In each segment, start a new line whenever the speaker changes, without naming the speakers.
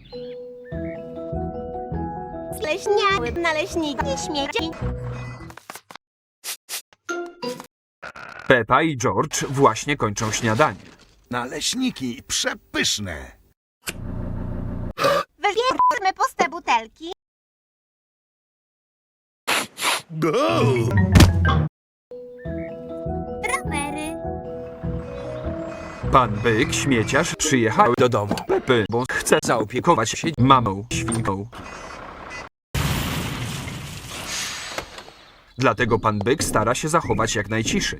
Leśniały naleśniki śmieci.
Pepa i George właśnie kończą śniadanie.
Naleśniki przepyszne.
Wybierzmy puste butelki.
Go!
Rowery.
Pan Byk, śmieciarz, przyjechał do domu Pepy, bo chce zaopiekować się mamą świnką. Dlatego pan Byk stara się zachować jak najciszej.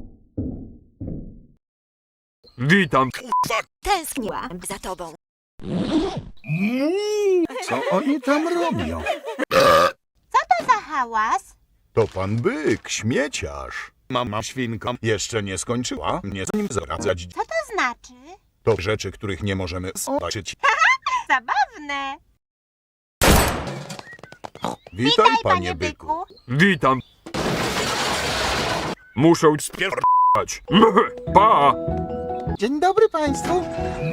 Witam.
Tęskniłam za tobą.
Co oni tam robią?
Co to za hałas?
To pan Byk, śmieciarz. Mama świnka jeszcze nie skończyła mnie z nim zaradzać.
Co to znaczy?
To rzeczy, których nie możemy zobaczyć.
Zabawne.
Witaj, panie Byku.
Witam. Muszę spierdać. Pa!
Dzień dobry państwu.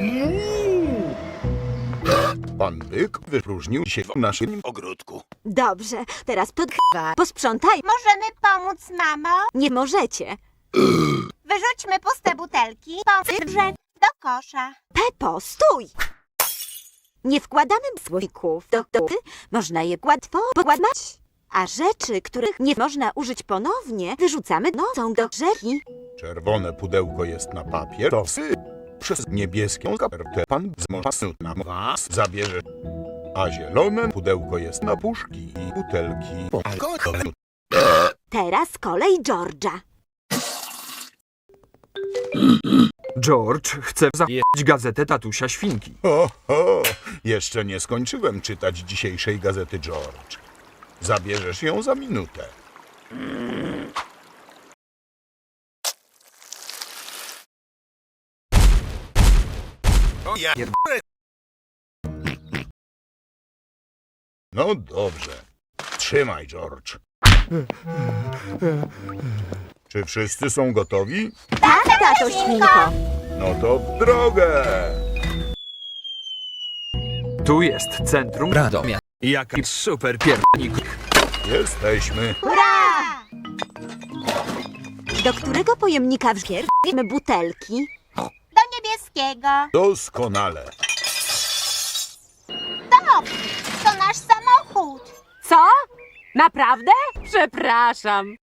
Pan Byk wypróżnił się w naszym ogródku.
Dobrze, teraz posprzątaj.
Możemy pomóc, mamo?
Nie możecie.
Wyrzućmy puste butelki. Pomrze do kosza.
Pepo, stój! Nie wkładamy słoików do dupy. Można je łatwo pokładać. A rzeczy, których nie można użyć ponownie, wyrzucamy nocą do rzeki.
Czerwone pudełko jest na papierosy. Przez niebieską kopertę pan na was zabierze. A zielone pudełko jest na puszki i butelki po alkoholu.
Teraz kolej George'a.
George chce zajebać gazetę tatusia świnki.
Ho, jeszcze nie skończyłem czytać dzisiejszej gazety, George. Zabierzesz ją za minutę. No dobrze. Trzymaj, George. Czy wszyscy są gotowi?
Tak, tato świnko.
No to w drogę!
Tu jest centrum Radomia. Jaki super piernik.
Jesteśmy.
Hurra!
Do którego pojemnika wrzucimy butelki?
Do niebieskiego.
Doskonale.
To nasz samochód.
Co? Naprawdę? Przepraszam.